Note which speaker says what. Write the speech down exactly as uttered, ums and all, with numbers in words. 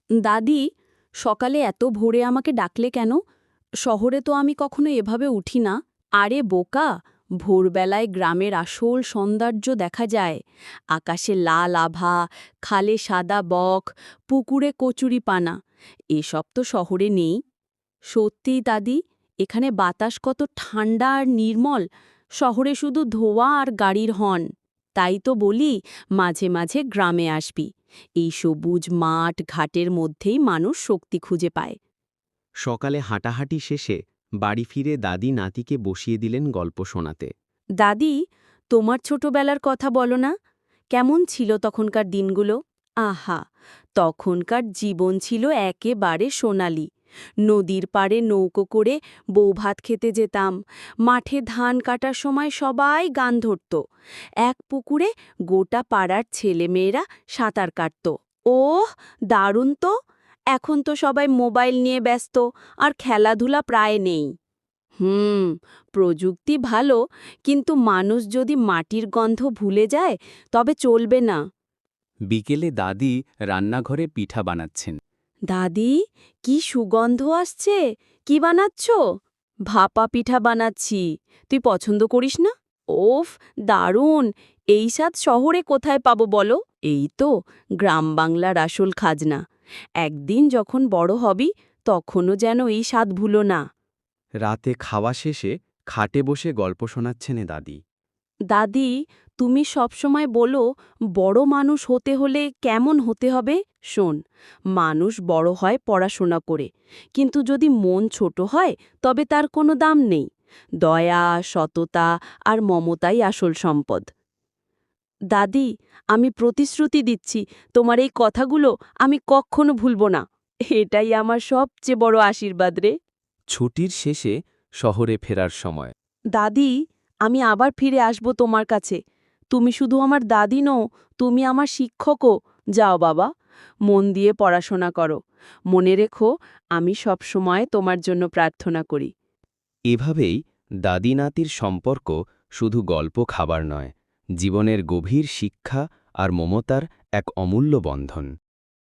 Speaker 1: দাদি, সকালে এত ভোরে আমাকে ডাকলে কেন? শহরে তো আমি কখনো এভাবে উঠি না। আরে বোকা, ভোরবেলায় গ্রামের আসল সৌন্দর্য দেখা যায়। আকাশে লাল আভা, খালে সাদা বক, পুকুরে কচুরি পানা। এসব তো শহরে নেই। সত্যিই দাদি, এখানে বাতাস কত ঠান্ডা আর নির্মল। শহরে শুধু ধোঁয়া আর গাড়ির হর্ন। তাই তো বলি, মাঝে মাঝে গ্রামে আসবি। এই সবুজ মাঠ ঘাটের মধ্যেই মানুষ শক্তি খুঁজে পায়।
Speaker 2: সকালে হাঁটাহাঁটি শেষে বাড়ি ফিরে দাদি নাতিকে বসিয়ে দিলেন গল্প শোনাতে।
Speaker 1: দাদি, তোমার ছোটবেলার কথা বলো না? কেমন ছিল তখনকার দিনগুলো? আহা, তখনকার জীবন ছিল একেবারে সোনালি। নদীর পাড়ে নৌকো করে বৌভাত খেতে যেতাম। মাঠে ধান কাটার সময় সবাই গান ধরত। এক পুকুরে গোটা পাড়ার ছেলেমেয়েরা সাঁতার কাটত। ওহ, দারুণ তো! এখন তো সবাই মোবাইল নিয়ে ব্যস্ত, আর খেলাধুলা প্রায় নেই। হুম, প্রযুক্তি ভালো, কিন্তু মানুষ যদি মাটির গন্ধ ভুলে যায় তবে চলবে না।
Speaker 2: বিকেলে দাদি রান্নাঘরে পিঠা বানাচ্ছেন।
Speaker 1: দাদি, কি সুগন্ধ আসছে! কি বানাচ্ছ? ভাপা পিঠা বানাচ্ছি। তুই পছন্দ করিস না? ওফ, দারুণ! এই স্বাদ শহরে কোথায় পাবো বলো? এই তো গ্রাম বাংলার আসল খাজনা। একদিন যখন বড় হবি, তখনও যেন এই স্বাদ ভুলো না।
Speaker 2: রাতে খাওয়া শেষে খাটে বসে গল্প শোনাচ্ছেন এ দাদি।
Speaker 1: দাদি, তুমি সবসময় বলো বড় মানুষ হতে হলে কেমন হতে হবে? শোন, মানুষ বড় হয় পড়াশোনা করে, কিন্তু যদি মন ছোট হয় তবে তার কোনো দাম নেই। দয়া, সততা আর মমতাই আসল সম্পদ। দাদি, আমি প্রতিশ্রুতি দিচ্ছি, তোমার এই কথাগুলো আমি কখনো ভুলব না। এটাই আমার সবচেয়ে বড় আশীর্বাদ রে।
Speaker 2: ছুটির শেষে শহরে ফেরার সময়
Speaker 1: দাদি, আমি আবার ফিরে আসব তোমার কাছে। তুমি শুধু আমার দাদি নও, তুমি আমার শিক্ষকও। যাও বাবা, মন দিয়ে পড়াশোনা করো। মনে রেখো, আমি সবসময় তোমার জন্য প্রার্থনা করি।
Speaker 2: এভাবেই দাদি নাতির সম্পর্ক শুধু গল্প খাবার নয়, জীবনের গভীর শিক্ষা আর মমতার এক অমূল্য বন্ধন।